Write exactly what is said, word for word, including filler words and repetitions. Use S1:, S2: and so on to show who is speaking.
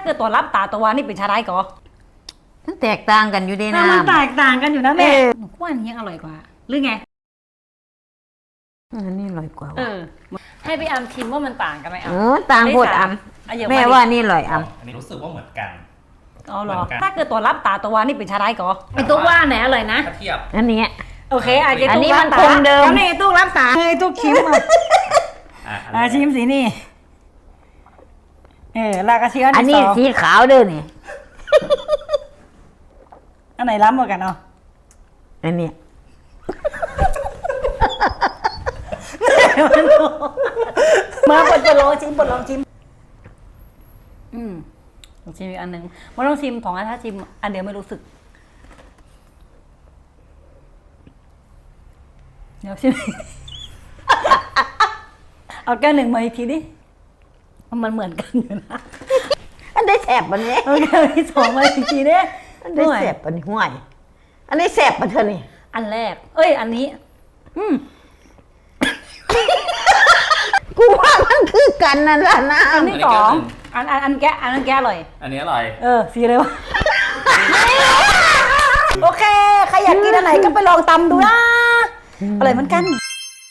S1: เกิดตัวรับตาตัววานี่เป็นชาได้ก่อ
S2: มันแตกต่างกันอยู่ดีนะ
S1: มันแตกต่างกันอยู่นะแม่หนูว่าอันนี้อร่อยกว่าหรือไง
S2: อันนี้อร่อยกว่า
S1: เออให้พี่อัมชิมว่ามันต่างกันไหมอ่ะ
S2: เออต่างโพดอัมแม่ว่านี่อร่อยอัม
S3: อันนี้รู้สึกว่าเหมือนกัน
S1: อ๋อเหรอถ้าเกิดตัวรับตาตัววานี่เป็นชาได้ก่อไอตัวว่าไหนอร่อยนะ
S3: ถ้าเทียบ
S2: อันนี้
S1: โอเคอั
S2: นนี้มันคงเดิม
S1: แล้วนี่ตู้รับตาให้ตู้ชิมอ่ะชิมสีนี่เออลากระเชียน
S2: อันนี้สีขาวเด้อนี่
S1: อันไหนล้ำกว่ากันเนาะ
S2: อันนี้
S1: มาปดลองชิมปดลองชิมอืมลองชิมอีกอันหนึ่งมาลองชิมของอันถ้าชิมอันเดียวไม่รู้สึกเดี๋ยวชิมเอาแก้วหนึ่งมาอีกทีดิมันเหมือนกันอยู่นะ
S2: อันได้แสบปันนี้
S1: เอาแก้วที่สองมาอีกทีดิ
S2: อันได้แสบปันนี้ห่วยอันนี้แสบปันเธอนี่
S1: อันแรกเอ้ยอันนี้อืม
S2: กูว่ามันคือกันนั่นแหละนะ
S1: อันที่สองอันอันอันแก้อันนั้นแก้อร่อย
S3: อันนี้อร่อย
S1: เออสีเลยวะโอเคใครอยากกินอันไหนก็ไปลองตำดูนะอร่อยเหมือนกัน